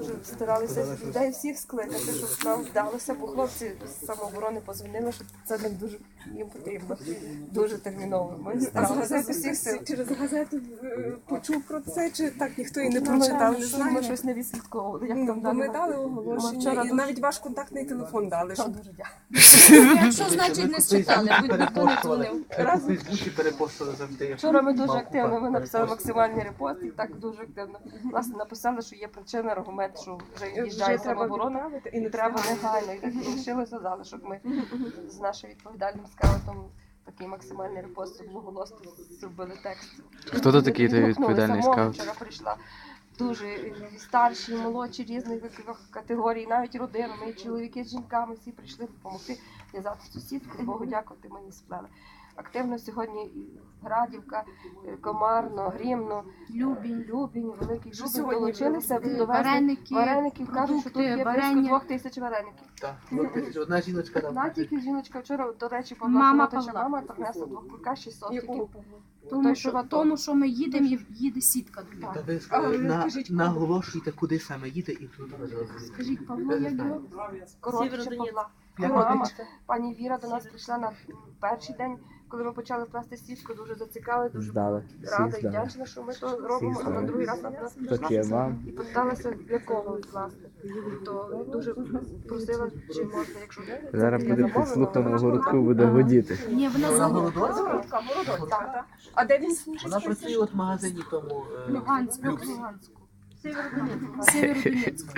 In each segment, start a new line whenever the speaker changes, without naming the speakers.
дуже старалися людей всіх скликати, щоб нам вдалося, бо хлопці з самооборони позвонили, що це нам дуже їм потрібно, дуже терміново. Ми старалися з усіх сил.
Через газету почув про це, чи так ніхто і не прочитав, не знаю.
Ми щось не відслідковували, як там далі.
Ми дали оголошення, і навіть ваш контактний телефон дали.
Дуже дякую.
Якщо, значить, не читали, будь ніхто не дзвонив.
У Фейсбуці перепостили завжди.
Вчора ми дуже активно, ми написали максимальний репост і так дуже активно. Власне, написали, що є причина, аргумент, що вже їжджає самооборона і не треба негайно. І так лишилося залишок. Ми з нашим відповідальним скаутом такий максимальний репост благоголосно зробили текст.
Хто то такий той відповідальний скаут?
Вчора прийшла дуже старші, молодші, різних вікових категорій, навіть родинами, і чоловіки з жінками, всі прийшли допомогти в'язати сусідку, Богу дякувати, мені сплели. Активно сьогодні Градівка, Комарно, Грімно, Любінь, Великий Любінь долучилися, довезли вареників, кажуть, що тут є близько 2000 вареників.
Так, одна жіночка там.
Одна тільки жіночка вчора, до речі,
Мама
мама принесла 2 кулька 600 тільки.
Тому що ми їдемо і їде сітка до
Та
нього.
ви наголошуйте, куди саме їде і тут.
Скажіть, Павло, як його?
Коротше Павла. Мама, пані Віра до нас прийшла на перший день, коли ми почали плести сітку, дуже зацікавила, дуже рада і вдячна, що ми то робимо, а на другий раз вона нас прийшла і питалася, для кого власне. То дуже просила, чи можна, якщо
Зараз буде підслухано городку, буде годіти.
Ні, вона за
Городоцька. А де він служить?
Вона працює от в магазині тому.
Луганську. Сєвєродонецьку.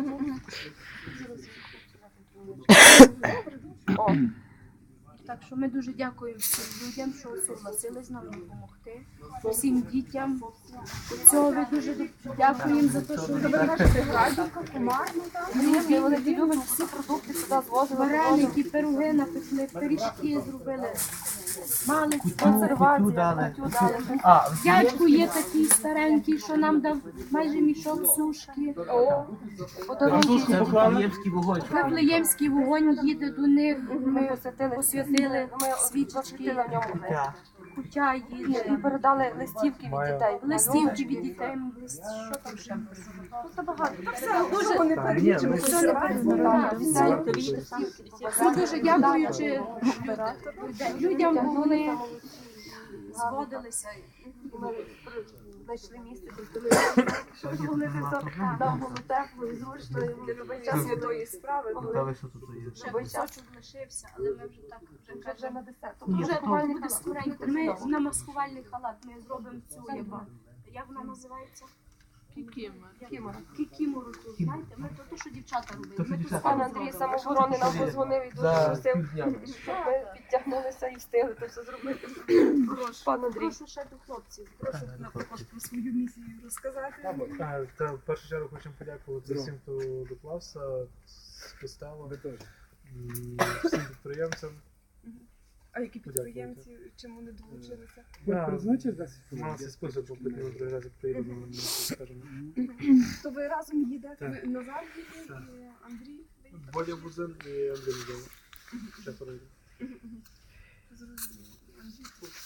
Так що ми дуже дякуємо всім людям, що согласились нам допомогти. Всім дітям. Цього дуже дякуємо за те, що ви
Кажете, Градівка, Комарно, так?
вони люблять всі продукти сюди звозили.
вареники, пироги напекли, пиріжки зробили. Мали
Кутю дали.
дядько є такий старенький, що нам дав майже мішок сушки.
Це Вифлеємський вогонь.
Вифлеємський вогонь їде до них. Ми
Посвятили
свічечки,
в ньому.
кутя їде.
І передали листівки від дітей.
Листівки від дітей. Що там ще?
Це багато.
Дуже не перелічимо.
Все не передбачено. Ми дуже дякуючи людям, бо вони згодилися.
Ми знайшли місце, щоб зголити, нам було тепло і зручно, і для любий час
Святої справи.
Та що тут є?
Ще кусочок лишився, але ми вже так
вже на десерт.
вже буде скоренько. Ми на маскувальний халат ми зробимо цю, як вона називається? Кікімору. Знаєте, ми то, що дівчата робили. Ми тут
Пан Андрій самооборони нам позвонив і дуже просив, щоб ми підтягнулися і встигли це все зробити. Пан Андрій.
прошу ще до хлопців. Прошу, наприклад, про свою місію розказати.
Та в першу чергу хочемо подякувати всім, хто доклався з костелу, всім підприємцям.
А які підприємці чому не долучилися?
У нас є список, бо потім ми другий раз як приїдемо, ми скажемо.
То ви разом їдете? Назар їде і Андрій?
Бодя Бузин і Андрій Бузин. Ще перейдемо.
Зрозуміло. Андрій тут.